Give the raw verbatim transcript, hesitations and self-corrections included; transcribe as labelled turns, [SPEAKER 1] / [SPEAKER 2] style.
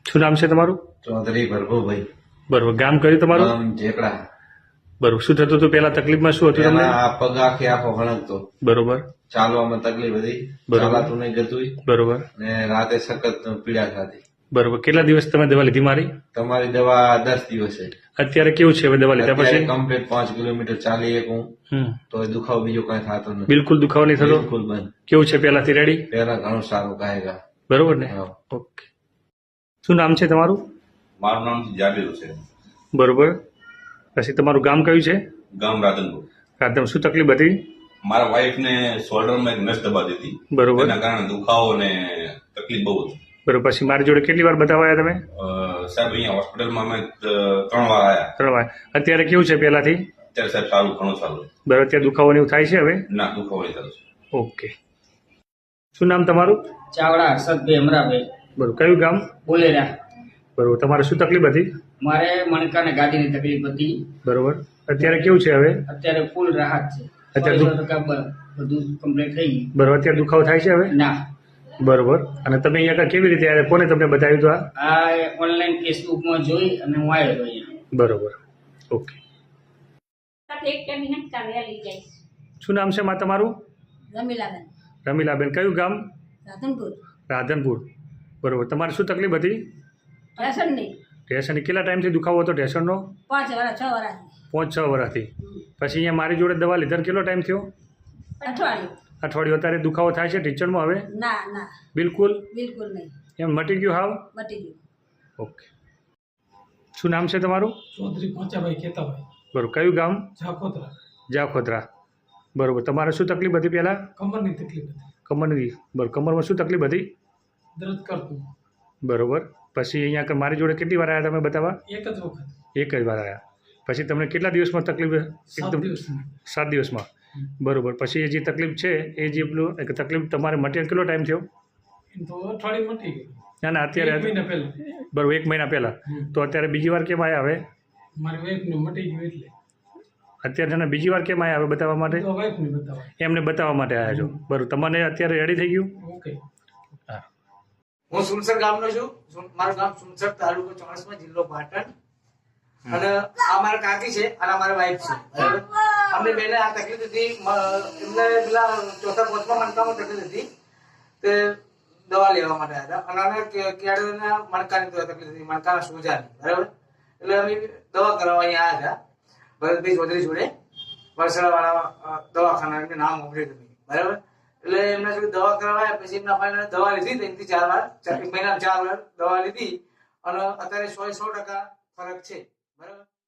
[SPEAKER 1] શું નામ છે તમારું?
[SPEAKER 2] ચૌધરી ભરભુભાઈ.
[SPEAKER 1] બરોબર. ગામ કયું તમારું?
[SPEAKER 2] ગામ ઝેકડા.
[SPEAKER 1] બરોબર. શું થતું હતું પેલા? તકલીફમાં શું હતું તમને?
[SPEAKER 2] પેલા આ પગ આખે આખો હણકતો,
[SPEAKER 1] બરોબર.
[SPEAKER 2] ચાલવામાં તકલીફ હતી,
[SPEAKER 1] બરોબર.
[SPEAKER 2] ચાલાતું નહીં ગતું
[SPEAKER 1] બરોબર.
[SPEAKER 2] ને રાતે સખત પીડા થતી.
[SPEAKER 1] બરોબર. કેટલા દિવસ તમે દવા લીધી મારી?
[SPEAKER 2] તમારી દવા દસ દિવસે.
[SPEAKER 1] અત્યારે કેવું છે હવે દવા લીધા
[SPEAKER 2] અત્યારે
[SPEAKER 1] પછી?
[SPEAKER 2] કમ્પ્લીટ પાંચ કિલોમીટર ચાલી એકું
[SPEAKER 1] હમ
[SPEAKER 2] તો દુખાવો બીજો કઈ થતો નથી.
[SPEAKER 1] બિલકુલ દુખાવો નહીં થતો?
[SPEAKER 2] બિલકુલ બંધ.
[SPEAKER 1] કેવું છે પેલાથી? રેડી?
[SPEAKER 2] પેલા ઘણું સારું કાયગા.
[SPEAKER 1] બરોબર ને?
[SPEAKER 2] હા.
[SPEAKER 1] ઓકે. શું નામ છે તમારું?
[SPEAKER 3] મારું નામ જાબીર છે.
[SPEAKER 1] બરોબર. પછી તમારું ગામ કયું છે?
[SPEAKER 3] ગામ રાધનપુર.
[SPEAKER 1] રાધમ. શું તકલીફ હતી?
[SPEAKER 3] મારા વાઈફ ને શોલ્ડરમાં એક નસ દબાતી હતી.
[SPEAKER 1] બરોબર.
[SPEAKER 3] એના કારણે દુખાવો ને તકલીફ બહુ હતી.
[SPEAKER 1] બરોબર. પછી મારી જોડે કેટલી વાર બતાવાયા તમે?
[SPEAKER 3] અ, સાહેબ અહીંયા હોસ્પિટલમાં અમે ત- ત્રણ વાર આવ્યા.
[SPEAKER 1] ત્રણ વાર. અત્યારે કેવું છે પેલાથી?
[SPEAKER 3] અત્યારે સાહેબ સારું ઘણું સારું.
[SPEAKER 1] બરોબર. અત્યારે દુખાવો ને એવું થાય છે હવે?
[SPEAKER 3] ના દુખાવો નહીં થતો.
[SPEAKER 1] ઓકે. શું નામ તમારું?
[SPEAKER 4] ચાવડા હર્ષદભાઈ અમરાભાઈ
[SPEAKER 1] બરોબર. કયું ગામ?
[SPEAKER 4] બોલેરા.
[SPEAKER 1] બરોબર. તમારે શું તકલીફ હતી?
[SPEAKER 4] મારે મણકાને ગાદીની તકલીફ હતી.
[SPEAKER 1] બરોબર. અત્યારે કેવું છે હવે?
[SPEAKER 4] અત્યારે ફૂલ રાહત છે.
[SPEAKER 1] અત્યારે
[SPEAKER 4] સો
[SPEAKER 1] દુ-
[SPEAKER 4] ટકા બ- બધું કમ્પ્લીટ થઈ ગયું.
[SPEAKER 1] બરોબર. અત્યારે દુખાવો થાય છે હવે?
[SPEAKER 4] ના,
[SPEAKER 1] બરોબર. અને તમે અહીંયા આગળ કેવી રીતે આવ્યા? કોને તમને બતાવ્યું હતું આ?
[SPEAKER 4] આ ઓનલાઈન ફેસબુકમાં જોઈ અને હું આવ્યો હતો અહીંયા.
[SPEAKER 1] બરોબર. ઓકે.
[SPEAKER 5] એક મિનિટ કાવ્યા લઈ જઈશ.
[SPEAKER 1] શું નામ છે માં તમારું?
[SPEAKER 5] રમીલાબેન,
[SPEAKER 1] રમીલાબેન. કયું ગામ?
[SPEAKER 5] રાધનપુર.
[SPEAKER 1] રાધનપુર. બરોબર. તમારે શું તકલીફ હતી?
[SPEAKER 5] રેશન નહીં.
[SPEAKER 1] ટેશનની કેટલા ટાઈમથી દુખાવો હતો ટેશનનો?
[SPEAKER 5] પાંચ વર્ષ છ વર્ષ
[SPEAKER 1] પાંચ છ વર્ષથી. પછી અહીંયા મારી જોડે દવા લીધા કેટલો ટાઈમ થયો?
[SPEAKER 5] અઠવાડિયું.
[SPEAKER 1] અઠવાડિયું. અત્યારે દુખાવો થાય છે ટીચરમાં હવે?
[SPEAKER 5] ના ના,
[SPEAKER 1] બિલકુલ
[SPEAKER 5] બિલકુલ નહીં.
[SPEAKER 1] એમ મટી ગયું હાવ?
[SPEAKER 5] મટી ગયું.
[SPEAKER 1] ઓકે. શું નામ છે તમારું?
[SPEAKER 6] ચૌધરી પોચાભાઈ કેતાભાઈ
[SPEAKER 1] બરોબર. કયું ગામ?
[SPEAKER 6] ઝાખોતરા.
[SPEAKER 1] જાખોદરા. બરોબર. તમારે શું તકલીફ હતી પહેલાં?
[SPEAKER 6] કમરની તકલીફ હતી,
[SPEAKER 1] કમરની. બરોબર. કમરમાં શું તકલીફ હતી?
[SPEAKER 6] દર્દ કરતું.
[SPEAKER 1] બરોબર. પછી અહીંયા આગળ મારી જોડે કેટલી વાર આવ્યા તમે બતાવવા?
[SPEAKER 6] એક જ વખત,
[SPEAKER 1] એક જ વાર આવ્યા. પછી તમને કેટલા દિવસમાં તકલીફ?
[SPEAKER 6] સાત
[SPEAKER 1] એકદમ
[SPEAKER 6] દિવસની.
[SPEAKER 1] સાત દિવસમાં. બરોબર. પછી એ જે તકલીફ છે એ જે પેલું એક તકલીફ તમારે મટીને કેટલો ટાઈમ થયો?
[SPEAKER 6] એમ તો અઠવાડિયું મટી ગયું.
[SPEAKER 1] ના ના
[SPEAKER 6] એક
[SPEAKER 1] અત્યારે
[SPEAKER 6] મહિના પહેલા
[SPEAKER 1] બરોબર. એક મહિના પહેલાં. તો અત્યારે બીજી વાર કેમ આવ્યા હવે?
[SPEAKER 6] મારી વાઈફને મટી ગયું એટલે
[SPEAKER 1] અત્યારે તને બીજી વાર કેમ આવ્યા હવે બતાવવા માટે?
[SPEAKER 6] તો વાઈફને બતાવવા.
[SPEAKER 1] એમને બતાવવા માટે આવ્યા છો? બરોબર. તમને અત્યારે રેડી થઈ ગયું?
[SPEAKER 6] ઓકે.
[SPEAKER 1] હા.
[SPEAKER 7] હું સુનસર ગામનો છું. સુન- મારું ગામ સુનસર, તાલુકો ચોણસમાં, જિલ્લો પાટણ. અને આ મારા કાકી છે અને અમારા વાઈફ છે. બરાબર? અમને બેને આ તકલીફ હતી. મ- એમને પેલા ચોથા પાંચમા મણકામાં તકલીફ હતી તે દવા લેવા માટે આવ્યા હતા. અને અમે કે- કેળવણીના મણકાની દવા તકલીફ હતી, મણકાના સોજાની. બરાબર? એટલે અમે દવા કરાવવા અહીંયા આવ્યા હતા ભરતભાઈ ચૌધરી જોડે, વરસડા વાળા દવાખાના. એમને નામ ઉભર્યું હતું. બરાબર? એટલે એમના જોડે દવા કરાવ્યા પછી એમના ભાઈને દવા લીધી ત્રણથી ચાર વાર, ચાર- એક મહિના ચાર વાર દવા લીધી અને અત્યારે સો સો ટકા ફરક છે. બરાબર?